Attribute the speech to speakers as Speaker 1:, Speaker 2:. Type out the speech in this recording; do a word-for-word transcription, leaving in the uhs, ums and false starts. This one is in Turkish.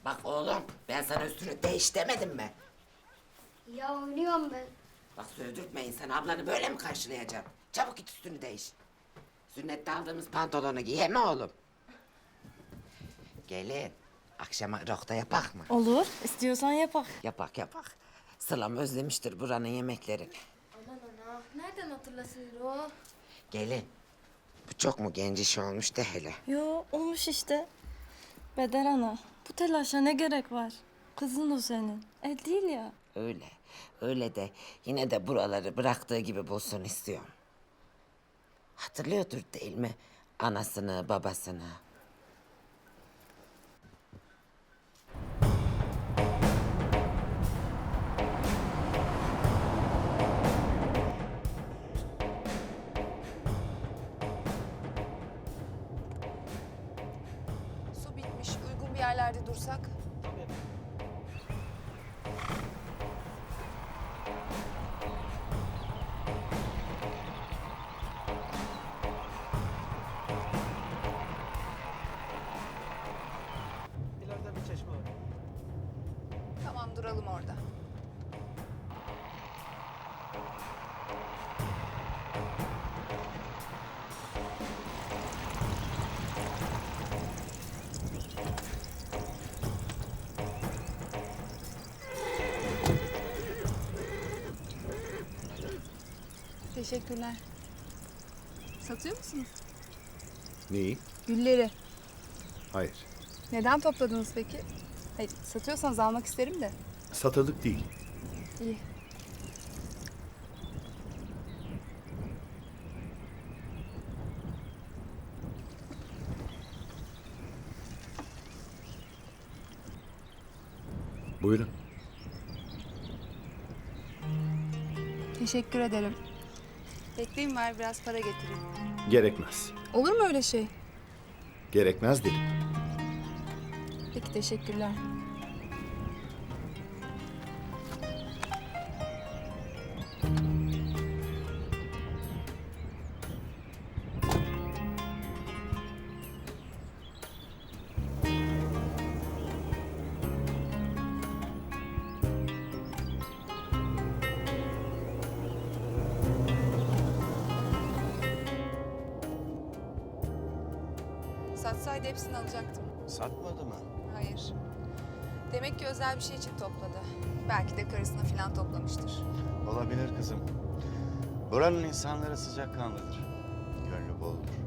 Speaker 1: Bak oğlum, ben sana üstünü değiş demedim mi?
Speaker 2: Ya oynuyorum ben.
Speaker 1: Bak sövdürtme insanı, ablanı böyle mi karşılayacaksın? Çabuk git üstünü değiş. Sünnette aldığımız pantolonu giy he mi oğlum? Gelin, akşama rokta yapak mı?
Speaker 3: Olur. İstiyorsan yapak.
Speaker 1: Yapak yapak. Sılam özlemiştir buranın yemeklerini.
Speaker 2: Aman ana. Nereden hatırlasın o?
Speaker 1: Gelin, bu çok mu genç iş olmuş de hele.
Speaker 3: Yo olmuş işte. Beder ana. Bu telaşa ne gerek var? Kızın o senin. El değil ya.
Speaker 1: Öyle, öyle de yine de buraları bıraktığı gibi bulsun istiyorum. Hatırlıyordur değil mi? Anasını, babasını.
Speaker 4: Su bitmiş. Uygun bir yerlerde dursak.
Speaker 5: İleride bir çeşme var.
Speaker 4: Tamam, duralım orada. Teşekkürler. Satıyor musunuz?
Speaker 6: Neyi?
Speaker 4: Gülleri.
Speaker 6: Hayır.
Speaker 4: Neden topladınız peki? Hayır, satıyorsanız almak isterim de.
Speaker 6: Satılık değil.
Speaker 4: İyi.
Speaker 6: Buyurun.
Speaker 4: Teşekkür ederim. Bekleyin, var biraz para getireyim.
Speaker 6: Gerekmez.
Speaker 4: Olur mu öyle şey?
Speaker 6: Gerekmez dedim.
Speaker 4: Peki, teşekkürler. Satsaydı hepsini alacaktım.
Speaker 5: Satmadı mı?
Speaker 4: Hayır. Demek ki özel bir şey için topladı. Belki de karısına falan toplamıştır.
Speaker 7: Olabilir kızım. Buranın insanları sıcakkanlıdır. Gönlü boldur.